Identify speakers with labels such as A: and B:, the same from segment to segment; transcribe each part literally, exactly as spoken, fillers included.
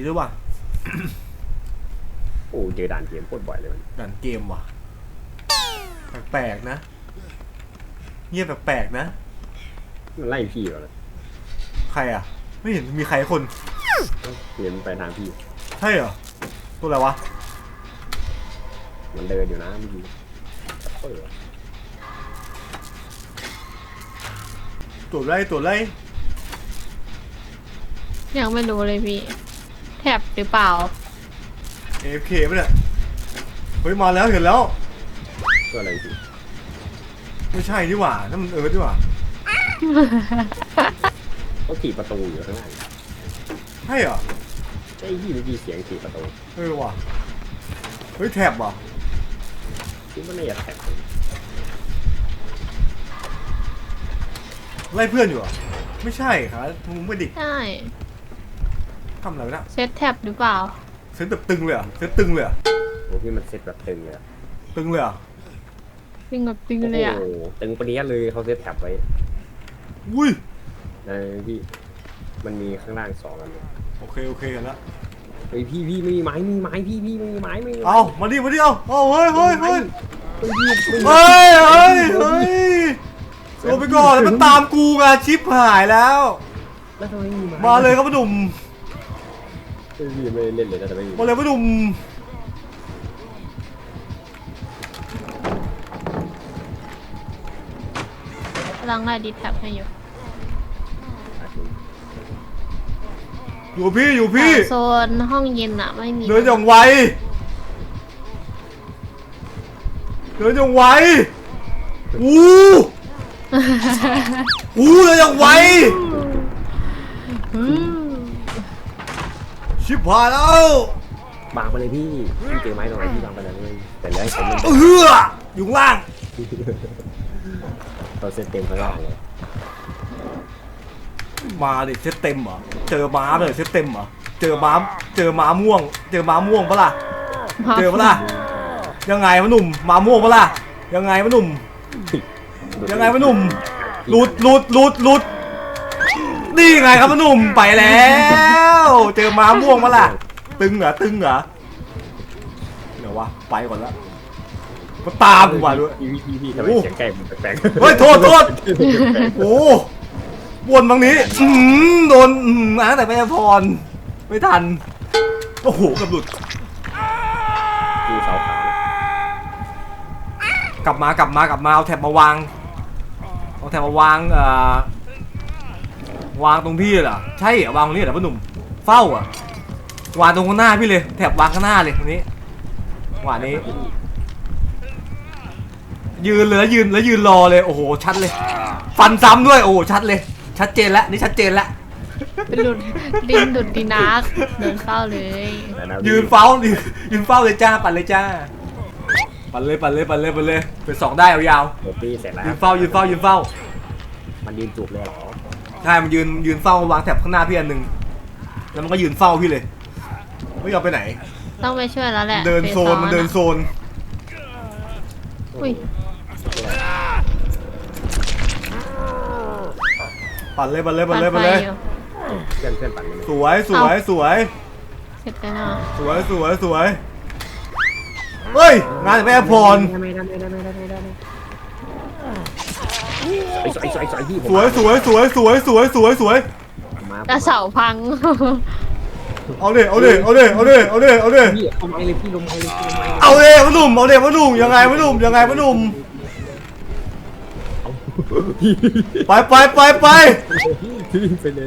A: ด้วยว่ะ
B: โอ้เจอด่านเกมโคตรบ่อยเลยมัน
A: ด่านเกมว่ะแปลกๆนะเงียบแปลกๆนะ
B: มันไล่พี่เหรอ
A: ใครอ่ะไม่เห็นมีใครคน
B: เห็นไปทางพี่
A: ใช่เหรอตัวอะไรวะ
B: มันเดินอยู่นะเมื่อกี้เออ
A: ตัวไรตัวไร
C: ยังไม่รู้เลยพี่แถบหรือเปล่า
A: เอฟเคป่ะเนี่ยเฮ้ยมาแล้วเห็นแล้ว
B: ก็อะไรพี่
A: ไม่ใช่ดีกว่านั่นมันเอิร์ธดีกว่า
B: เขาถีบประตูอยู่ข้างหน้า
A: ใช่เหรอ
B: ไอ้พี่เมื่อกี้เสียงถีบประตู
A: เออว่ะเฮ้ยแถบว่ะ
B: คิดว่าน่าจะแท็ก
A: ไล่เพื่อนอยู่เหรอ่ะไม่ใช่ครับมึงไม่ดิ
C: ใช่
A: ทำอะไรวะเนะ
C: เซตแท็บหรือเปล่า
A: เซตแบบตึงเลยเหรอ่ะเซตตึงเลยเหรอ่ะ
B: โอ้พี่มันเซ็ตแบบตึงเลย
A: ตึงเลยเหรอ่ะ
C: ตึงแบบตึง
B: โอ้
C: เลยอ่ะ
B: โหตึงปะเนี้ยเลยเขาเซ็ตแท็บไว้
A: อุ้ย
B: ในพี่มันมีข้างล่างสองอันเลย
A: โอเคโอเคเห็นแล้ว
B: เฮ้ยพี่พี่ไม่มีไม้ไม่มีไม้พี่พี่ไม่มีไม้ไม่มีไม้
A: เอามาดิมาดิเอาเอาเฮ้ยเฮ้ยเฮ้ย
B: เฮ้ยพี่ไม่มี
A: เฮ้ยเฮ้ยเฮ้ยโดนไปก่อนแล้วมันตามกูไงชิปหายแล้ว
B: แล้วทำไมไม่มีไม้
A: มาเลยครับพ่อหนุ่ม
B: เฮ้ยพี่ไม่เล่นเลยนะแต่ไม่มี
A: มาเลยพ่อหนุ่ม
C: กำลังไล่ดีแท็บให้อยู่
A: อยู่พี่อยู่พี่
C: โซนห้องเย็นอะไม่มี
A: เดินอย่างไวเดินอย่างไวอู้อู้เดินอย่างไว
C: อืม
A: ชิบหายแล้ว
B: บางไปเลยพี่พี่เจอไม้ตรงไหนพี่บางไปเลยแต่แล้วผมมัน
A: เอออยู่ข้างล่าง
B: เราเซ็ตเต็มข้างล่างเลย
A: มาดิเซตเต็มเหรอเจอม้าเลยเซตเต็มเหรอเจอม้าเจอม้าม่วง เจอม้าม่วงปะล่ะเจอปะล่ะยังไงวะหนุ่มม้าม่วงปะล่ะยังไงวะหนุ่มยังไงวะหนุ่มหลุดหลุดหลุดหลุดนี่ไงครับวะหนุ่มไปแล้วเจอม้าม่วงปะล่ะตึงเหรอตึงเหรอเดี๋ยววะไปก่อนละมาตามกูมาด้วย
B: พี่พี่พี่ทำไมเสียงใกล้มันแปลก
A: เฮ้ยโทษโทษโอ้วนบางนี้อืมโดนอืมอ่ะแต่ไม่พรไม่ทันโอ้โหกับหลุด
B: พี่เสาขาว
A: กลับมากลับมากลับมาเอาแท็บมาวางเอาแท็บมาวางเอ่อวางตรงพี่เหรอใช่เหรอวางตรงนี้เหรอพ่อหนุ่มเฝ้าอ่ะวางตรงข้างหน้าพี่เลยแท็บวางข้างหน้าเลยตรงนี้วางนี้ ยืนเลยแล้วยืนแล้วยืนรอเลยโอ้โหชัดเลย ฟันซ้ำด้วยโอ้โหชัดเลย ชัดเจนแล้วนี่ชัดเจนแล้ว
C: เป็นหลุดดินดุดดีนักเดินเข้าเลย
A: ยืนเฝ้ายืนยืนเฝ้าเลยจ้าปั่นเลยจ้าปั่นเลยปั่นเลยปั่นเลยปั่นเลยเป็นสองได้ยาว
B: เดี๋ยวพี่เสร็จแล้ว
A: ๆยืนเฝ้ายืนเฝ้ายืนเฝ้า
B: มันยืนจูบเลยเหรอ
A: ใช่มันยืนยืนเฝ้าวางแถบข้างหน้าพี่อันหนึ่งแล้วมันก็ยืนเฝ้าพี่เลยไม่ยอมไปไหน
C: ต้องไปช่วยแล้วแหละ
A: เดินโซนมันเดินโซน
C: อุ้ย
A: ปั่นเลยปั่นเลยปั่นเลยปั่นเลย
C: อยู่
B: เพื่อนเพื่อนปั่นเลย
A: สวยสวยสวย
C: เสร็จแล้วเนาะ
A: สวยสวยสวยเฮ้ยงานจากแม่พร
B: ไม่ได้ไม่ได้ไม่ได้ไม่ได้ไอ้สวยสวยสวยพี่
A: สวยสวยสวยสวยสวยสวยสวย
B: มา
C: แต่เสาพัง
A: เอาเด้เอาเด้เอาเด้เอาเด้เอาเด้เอาเด้
B: พี่ลงไม้เลยพี่ลงไม้เลยพี่ลงไม้
A: เอาเด้พ่อหนุ่มเอาเด้พ่อหนุ่มยังไงพ่อหนุ่มยังไงพ่อหนุ่มไปไปไปไป
B: พี่ไปเลย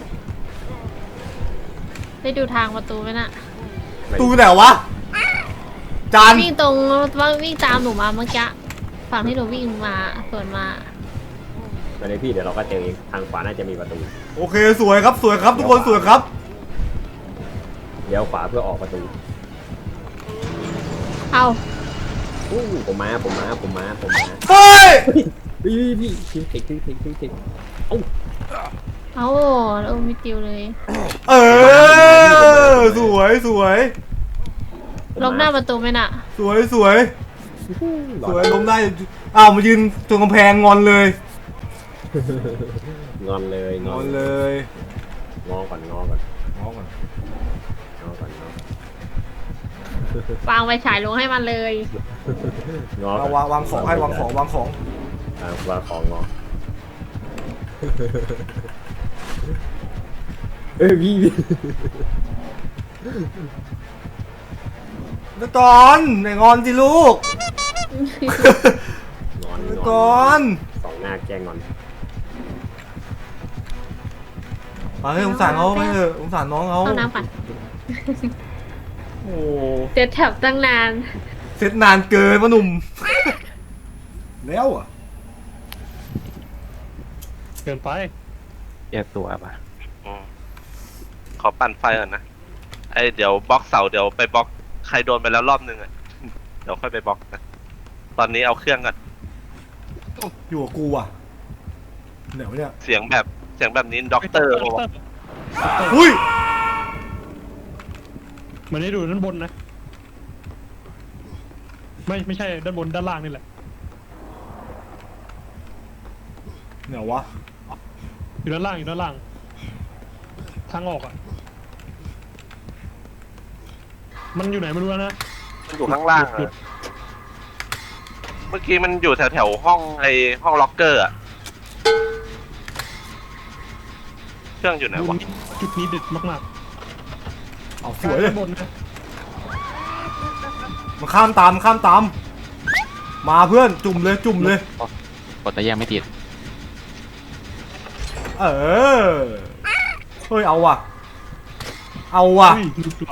C: ได้ดูทางประตูไหมน่ะ
A: ตูไหนวะจาน
C: วิ่งตรงว่าวิ่งตามหนูมาเมื่อกี้ฝั่งที่หนูวิ่งมาสวนมา
B: ไปเลยพี่เดี๋ยวเราก็เจอเองทางขวาน่าจะมีประตู
A: โอเคสวยครับสวยครับทุกคนสวยครับ
B: เดี๋ยวขวาเพื่อออกประตู
C: เอา
B: อู้ผมมาผมมาผมมาผมมา
A: เฮ้ย
B: พี่พี่พี่ทีมเทคทีมเทคทีมเทคเอ้า
C: เอาแล้วมิติวเลย
A: เออสวยสวย
C: ล้มหน้าประตูไหมน่ะ
A: สวยสวยสวยล้มได้อ้าวมายืนตรงกำแพงงอนเลย
B: งอนเลย
A: งอนเลย
B: งอก่อนงอก่อน
A: งอนก่อน
C: วางไฟฉายลงให้มันเลย
B: งอ
A: เอาวางวางของให้วางของวางของ
B: อ่าวางของงอเอ้ยพี่พี่
A: แล้วก่อนไหนงอนสิลูก
B: งอน
A: แล้ว
B: ง
A: ก่
B: อ
A: อน น
B: สองหน้าแกล้งงอน
A: มาเฮ้ยสงสารเขาไม่เถอะสงสารน้องเขา
C: เอาน้ำปั่น
A: โอ้
C: เจ็ดแถบตั้งนาน
A: เสร็จนานเกินวะหนุ่ม แล้วอ่ะ
D: เกินไป
E: แยกตัวป่ะ
F: อืมขอปั่นไฟก่อนนะไอเดี๋ยวบล็อกเสาเดี๋ยวไปบล็อกใครโดนไปแล้วรอบนึงอ่ะ เดี๋ยวค่อยไปบล็อกนะตอนนี้เอาเครื่องก่อน
A: อยู่กับกูอ่ะเดี๋ยวเนี่ย
F: เสียงแบบเสียงแบบนี้ด็อกเตอร์บอกว่า
A: อุ้ย
D: เหมือนได้ดูด้านบนนะ ไม่ไม่ใช่ด้านบนด้านล่างนี่แหละ
A: เดี๋ยววะ
D: อยู่ด้านล่างอยู่ด้านล่าง ทางออกอ่ะ มันอยู่ไหนไม่รู้แล้วนะ
F: มันอยู่ข้างล่างอะเมื่อกี้มันอยู่แถวแถวๆห้องไอห้องล็อกเกอร์อะเครื่องอยู่ไหน
D: ดู
F: วะ
D: นี่จุดนี้เด็ดมาก
A: เอา
D: ๆ
A: สวยเลย
D: ด้านบนนะ
A: มันข้ามตามมันข้ามตาม มาเพื่อนจุ่มเลยจุ่มเลย
E: กดแต่แยกไม่ติด
A: เออ เฮ้ยเอาว่ะ เอาว่ะ
D: เฮ้ยดูตัว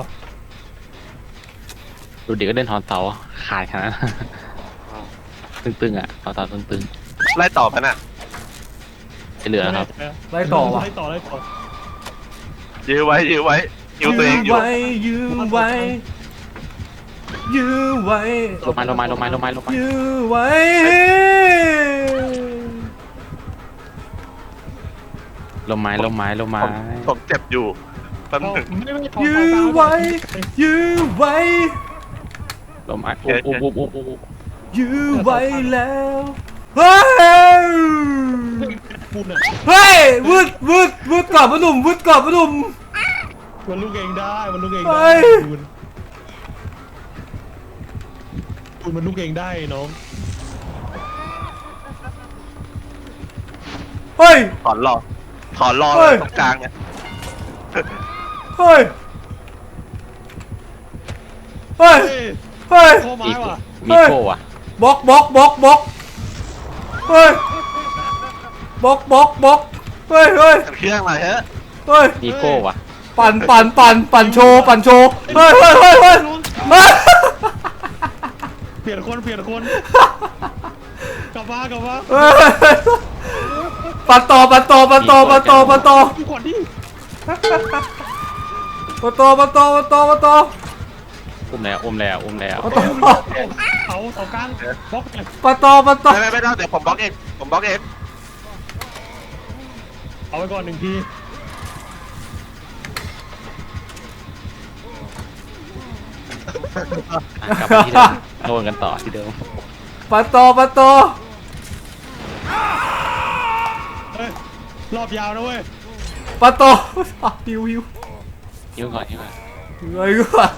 E: ดูเด็กก็เล่นทอนเสาขาดขนาดนั้น ตึงๆอ่ะทอนเสาตึง
F: ไล่ต่อไปน่ะ
E: ๆจะเหลือครับ
A: ไล่ต่อว่ะ
D: ไล่ต่อไล่ต่อ
F: ยื้อไว้ยื้อไว้ยื้อตัวเองอยู่
A: ไว้ยื้อไว้ยื้อไว้
E: ลงไม้ลงไม้ลงไม้ลงไม้ลงไม้
A: ยื้อไว้
E: ลงไม้ลงไม้ลงไม้
F: ผมผมเจ็บอยู่แป๊บ
D: เอา
F: หนึง
D: ไม่ไม่เอา
A: ยื้อ
D: เอา
A: ไว้ยื้อไว้
E: ลงไม้อุ๊บอุ๊บอุ๊บอุ๊บอุ๊บ
A: ยื้อไว้แล้วเฮ้ย
D: พูดเนี่ย
A: เฮ้ยวืดวืดวืดก่อนพนุ่มวืดก่อนพนุ่ม
D: มันลูกเองได้มันลูกเอง
A: เฮ้
D: ได้
A: ย
D: คุณคุณมันลูกเองได้น้อง
A: เฮ้ย
F: ถอนรอถอนรอ
A: เฮ้
F: เลย ยตรงกลางเนี่ย
A: เฮ้ยเฮ้ย
D: เฮ้ย
A: เฮ้ย
D: โคไม้
E: อีก
D: ว่ะ
E: มีโก้อะ
A: บล็อกบล็อกบล็อกบล็อกเฮ้ยบล็อกบล็อกบล็อกเฮ้ยเฮ้ย
F: เครื่องอะไรฮะ
A: เฮ้ย
E: มีโก้อะ
A: ปั่นปั่นปั่นปั่นโชว์ปั่นโชว์เฮ้ยเฮ้ยเฮ้ยเฮ้ยเฮ้ย
D: เปลี่ยนคนเปลี่ยนคนกลับมากลับมา
A: เฮ้ยปั่นต่อปั่นต่อปั่นต่อปั่นต่อปั่นต่อ
D: ดูก่อนดิ
A: ปั่นต่อปั่นต่อปั่นต่อปั่นต่อ
E: อุ้มแล้วอุ้มแล้วอุ้มแล้ว
A: ปั่นต่อ
D: เสาเสากลางบล็อกเลย
A: ปั่นต่อปั่นต่อ
F: ไม่ไม่ไม่ต้องเดี๋ยวผมบล็อกเองผมบล็อกเอง
D: เอาไว้ก่อนหนึ่งที
E: อ่ะกลับมาที่เดิมโดนกันต่อที่เดิม
A: ปั่นต่อปั่นต่อ
D: เฮ้ยรอบยาวนะเว้ย
A: ปั่นต่อหิวหิว
E: ยิ้มก่อนยิ้มก่อน
A: เฮ้ยกูอ่ะ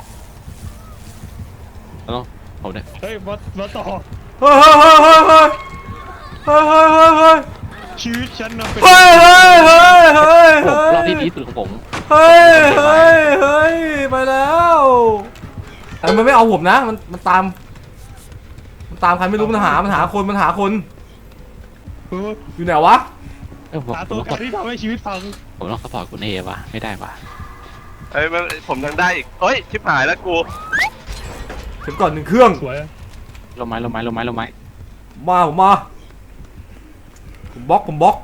E: แล้วต้องผมด้วย
D: เฮ้ยมามาต่อ
A: เฮ้ยเฮ้ยเฮ้ยเฮ้ยเฮ้ยเฮ้ยเฮ้ยเฮ้ยเฮ้ย
D: ชีวิตฉันนะเป็น
A: เฮ้ยเฮ้ยเฮ้ยเฮ้ย
E: ผม
A: เฮ้ย
E: รอบที่ดีที่สุดของผม
A: เฮ้ยเฮ้ยเฮ้ยไปแล้วแต่มันไม่เอาผมนะ มันมันตาม มันตามใครไม่รู้มันหา มันหาคนมันหาคน
D: เออ
A: อยู่ไหนวะ
E: เออผม
D: หา
E: ผ
D: ตัว
E: ม
D: การที่ทำให้ชีวิตพัง
E: ผมต้องสปอร์ตคุณเอวะไม่ได้วะ
F: เอ้ยมันผมยังได้อีกเอ้ยชิบหายแล้วกู
A: เข็มก่อนหนึ่งเครื่อง
D: สวย
E: ลงไม้ลงไม้ลงไม้ลงไม้
A: มาผมมาผมบล็อกผมบล็อก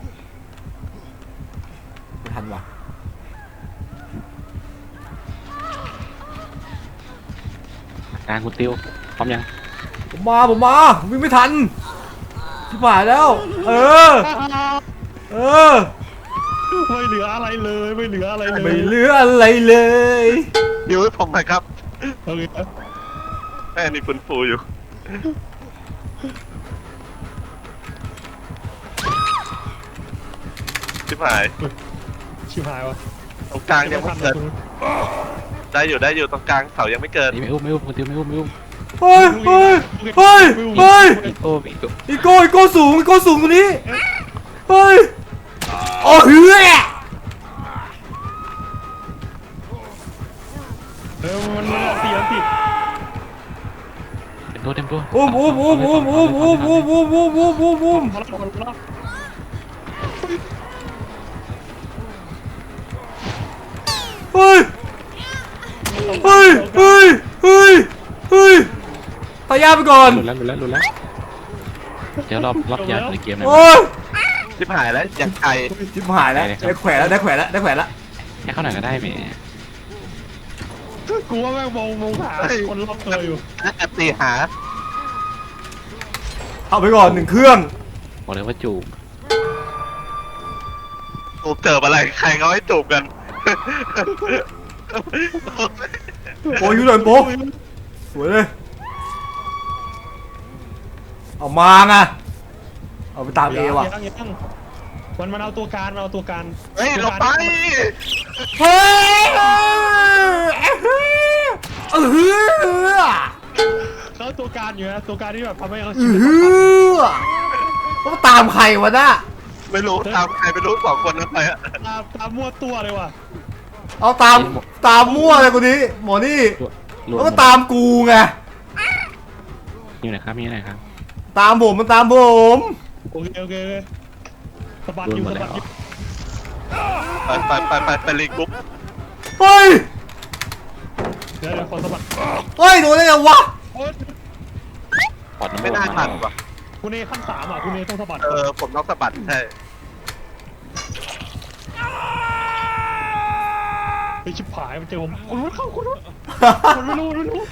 A: ไม่ทันว่ะ
E: กลางคุณติวพร้อมยัง
A: ผมมาผมมาวิ่งไม่ทันชิบหายแล้ว เออ เออ
D: ไม่เหลืออะไรเลยไม่เหลืออะไรเลย
A: ไม่เหลืออะไรเลย
F: ยิ้วให้ผมหน่อยครับ
D: โอเค
F: แม่นี่ฟื้นฟูอยู่ชิบหาย
D: ชิบหายวะ
F: ตรงกลางยังไม่เกิดได้อยู่ได้อยู่ตรงกลางเสายังไม่เกิด
E: นี่ไม่อุ้มไม่อุ้มคนเดียวไม่อุ้มไม่อุ้ม
A: เฮ้ยเฮ้ยเฮ้ยเฮ้ย
E: โอ้อีก
A: อีโก้อีโก้สูงอีโก้สูงกว่านี้เฮ้ยโอ้เฮ้ย
D: เออมันมันตีมันตี
E: เต็มตัวเต็มตัว
A: อุ้มอุ้มอุ้มอุ้มอุ้มอุ้มอุ้มอุ้มอุ้มอุ้มอุ้มอุ้ม
D: พลังพลังพลัง
A: เฮ้ยเฮ้ยเฮ้ยเฮ้ยเฮ้ยตายาไปก่อน
E: หลุดแล้วหลุดแล้วหลุดแล้วเดี๋ยวรอบรอบยาในเกมหน่อย
A: โอ้ย
F: ชิบหายแล้วอย่างไกล
A: ชิบหายแล้วได้แขวนแล้วได้แขวนแล้วได้แขวนแล้ว
E: แค่เข้าหน่อยก็ได้แหม
D: กูว่าแม่งมองมองหาคนรอบตัวอยู่
F: แอปตีหา
A: เอาไปก่อนหนึ่งเครื่อง
E: บอกเลยว่าจูบ
F: จูบเจออะไรใครเขาให้จูบกัน
A: โอ้ยยูโดนโป๊ะสวยเลยเอามาไงเอาไปตามเอว่ะ
D: ยังยังมันมันเอาตัวการมันเอาตัวการ
F: เฮ้ยลงไป
A: เฮ้ยเออเฮ้ย
D: เขาตัวการอยู่นะตัวการที่แบบทำให้เขา
A: เอ
D: ชีวิต
A: อต้องตามใครวะน่ะ
F: ไม่รู้ตามใครไม่รู้สองคนนั้นไปอะ
D: ตามตามมั่วตัวเลยว่ะ
A: เอาตามตามมั่วเลยคนนี้หมอนี่
E: รว
A: แล้วก็ตามกูไง
E: อยู่ไหนครับมีไหนครับ
A: ตามผมมันตามผม
D: โอเคโอเคโอเคสะบัด
E: รว
D: อ
E: ม
D: ยู่
E: หมด
D: สะ
E: แล้
D: บั
E: ว
D: ดอยู่
F: ไปไปไปไปไปรีกรุ๊ป
A: เฮ้ย
D: เดี๋ยวเดี๋ยวขอสะบัด
A: เฮ้ยโดนได้ไงวะ
D: โอ๊ย
E: ปอดน้ำ
F: ไม่น่าทันว่ะ
D: คุณเอขั้นสามอ่ะคุณเอต้องสะบัด
F: เออผมต้องสะบัดใช่
D: ไปชิบหายมันเจอผมคุณรู้เข้าคุณรู้คุณไม่รู้ไม่รู้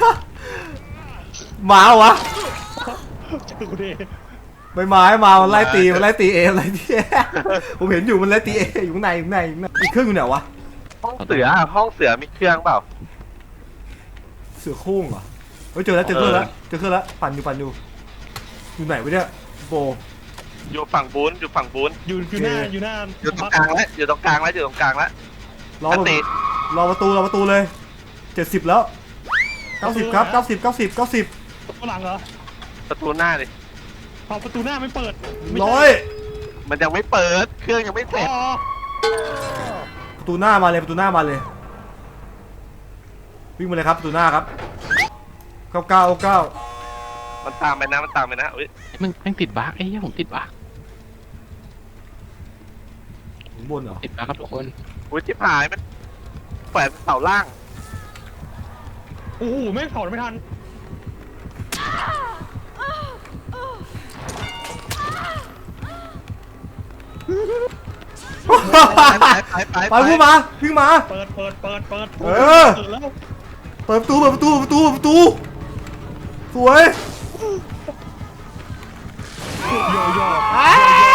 A: หมาเหรอวะ
D: เจอคุณเอ
A: ใบไม้มามันไล่ตีมันไล่ตีเอมันไล่ตีเอผมเห็นอยู่มันไล่ตีเออยู่ข้างในอยู่ข้างในอยู่ข้างในอีกเครื่องอยู่ไหนวะ
F: ห้องเสืออะห้องเสือมีเครื่องเปล่า
A: เสือโคร่งเหรอเฮ้ยเจอแล้วเจอเครื่องแล้วเจอเครื่องแล้วปั่นอยู่ปั่นอยู่อยู่ไหนวะเนี่ยโบ
F: อยู่ฝั่งบูนอยู่ฝั่งบูน
D: อยู่อยู่หน้าอยู่หน้า
F: อยู่ตรงกลางแล้วอยู่ตรงกลางแล้วอยู่ตรงกลางแล้ว
A: รอ
F: อันติ
A: รอประตูรอประตูเลยเจ็ดสิบแล้วเก้าสิบครับเก้าสิบเก้าสิบเก้าสิบ
D: ตัวหลังเหรอ
F: ประตูหน้าดิ
D: เอาประตูหน้าไม่เปิดไม่ใช่
A: ร้อย
F: มันยังไม่เปิดเครื่องยังไม่เสร็จ
D: อ๋อ
A: ประตูหน้ามาเลยประตูหน้ามาเลยวิ่งมาเลยครับประตูหน้าครับเก้าเก้าเก้า
F: มันตามไปนะมันตามไปนะอุ้ย
E: มึงแม่งติดบั๊กไอ้เหี้ยผมติดบั๊ก
A: ข้างบนเหรอ
E: ติดบั๊กครับทุกคน
F: อุ้ยชิบหายมันแขวนเสาล่าง
D: โอ้โหแม่งถอดไม่ทัน
F: ไปไปไป
A: ไปพูดมาวิ่งมา
D: เปิดเปิดเปิดเปิด
A: เออ
D: เปิดแล้ว
A: เปิดประตูเปิดประตูเปิดประตูเปิดประตูสวย
D: โยโย่
A: อ้า